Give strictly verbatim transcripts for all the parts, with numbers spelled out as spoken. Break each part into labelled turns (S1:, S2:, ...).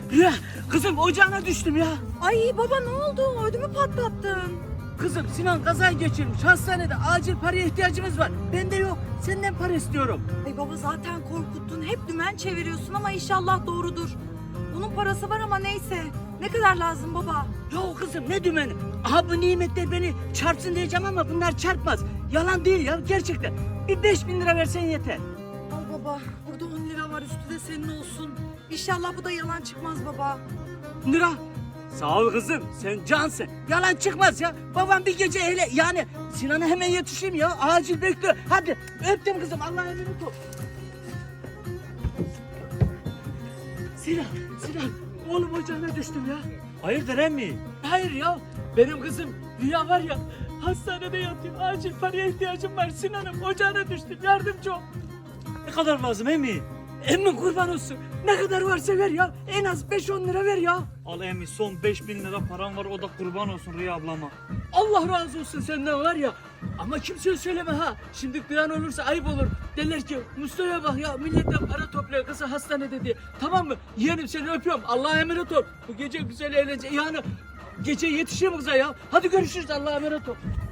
S1: Ya kızım ocağına düştüm ya.
S2: Ay baba ne oldu? Ödümü patlattın.
S1: Kızım Sinan kaza geçirmiş. Hastanede acil paraya ihtiyacımız var. Bende yok. Senden para istiyorum.
S2: Ay baba zaten korkuttun. Hep dümen çeviriyorsun ama inşallah doğrudur. Bunun parası var ama neyse. Ne kadar lazım baba?
S1: Ya kızım ne dümeni? Aha bu nimetler beni çarpsın diyeceğim ama bunlar çarpmaz. Yalan değil ya gerçekten. Bir beş bin lira versen yeter.
S2: Al baba. Burada on lira var, üstü de senin olsun. İnşallah bu da yalan çıkmaz baba.
S1: Lira. Sağ ol kızım sen cansın. Yalan çıkmaz ya. Babam bir gece hele yani Sinan'a hemen yetişeyim ya. Acil bekliyor. Hadi öptüm kızım Allah'a emanet ol. Sinan, Sinan. Oğlum ocağına düştüm ya.
S3: Hayırdır emmi?
S1: Hayır ya. Benim kızım Rüya var ya. Hastanede yatıyor. Acil paraya ihtiyacım var. Sinan'ım ocağına düştüm. Yardımcı ol.
S3: Ne kadar lazım emmi?
S1: Emmi kurban olsun. Ne kadar varsa ver ya. En az beş on lira ver ya.
S3: Al emmi son beş bin lira param var o da kurban olsun Rüya ablama.
S1: Allah razı olsun senden var ya. Ama kimseye söyleme ha. Şimdi duyan olursa ayıp olur. Derler ki Mustafa'ya bak ya milletten para topluyor kızı hastanede diye. Tamam mı? Yeğenim seni öpüyorum. Allah'a emanet ol. Bu gece güzel eğlence. Yani gece yetişeyim kıza ya. Hadi görüşürüz Allah'a emanet ol.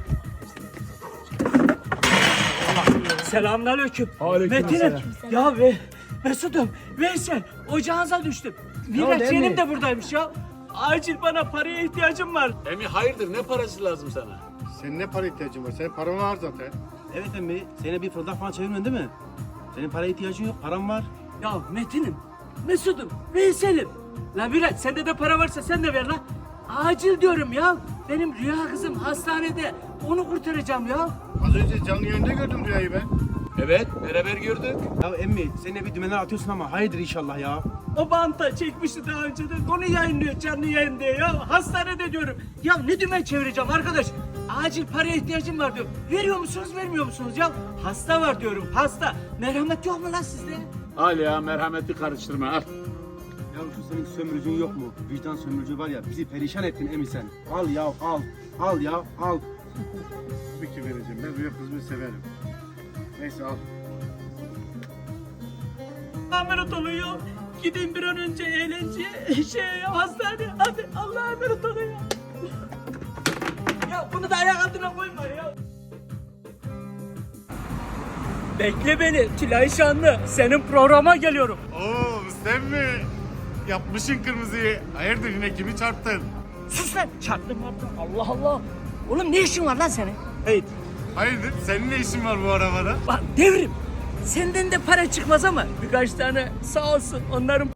S1: Selamünaleyküm. Metin'im. Ya ve Mesut'um, Veysel, ocağınıza düştüm. Miraç yeğenim de buradaymış ya. Acil bana paraya ihtiyacım var.
S4: Emi hayırdır ne parası lazım sana?
S5: Senin ne para ihtiyacın var? Senin paran var zaten.
S6: Evet emmi, seni bir fırıldak falan çevirmedin değil mi? Senin paraya ihtiyacın yok, param var.
S1: Ya Metin'im, Mesut'um, Veysel'im. La Miraç sende de para varsa sen de ver lan. Acil diyorum ya. Benim Rüya kızım hastanede. Onu kurtaracağım ya.
S5: Az önce canlı yayında gördüm Rüya'yı ben.
S4: Evet beraber gördük.
S6: Ya emmi, sen de bir dümenler atıyorsun ama hayırdır inşallah ya.
S1: O banta çekmişti daha önceden. Onu yayınlıyor canlı yayın diye ya. Hastanede diyorum. Ya ne dümen çevireceğim arkadaş? Acil paraya ihtiyacım var diyor. Veriyor musunuz vermiyor musunuz ya? Hasta var diyorum hasta. Merhamet yok mu lan sizde?
S4: Al ya merhameti karıştırma al.
S6: Ya şu senin sömürücün yok mu? Vicdan sömürücü var ya, bizi perişan ettin emmi sen. Al ya, al. Al ya, al.
S5: Tabii ki vereceğim. Ben Rüya kızımı severim. Neyse al.
S1: Emanet olun ya. Gidin bir an önce eğlenceye, şeye ya hastaneye. Hadi Allah'a emanet olun ya. Ya bunu da ayak altına koyma ya. Bekle beni Tülay Şanlı. Senin programa geliyorum.
S5: Oo sen mi? Yapmışın kırmızıyı. Hayırdır yine kimi çarptın?
S1: Sus lan. Çarptım çarptım. Allah Allah. Oğlum ne işin var lan senin?
S6: Hey,
S5: Hayırdır senin ne işin var bu arabada?
S1: Bak devrim. Senden de para çıkmaz ama birkaç tane sağ olsun onların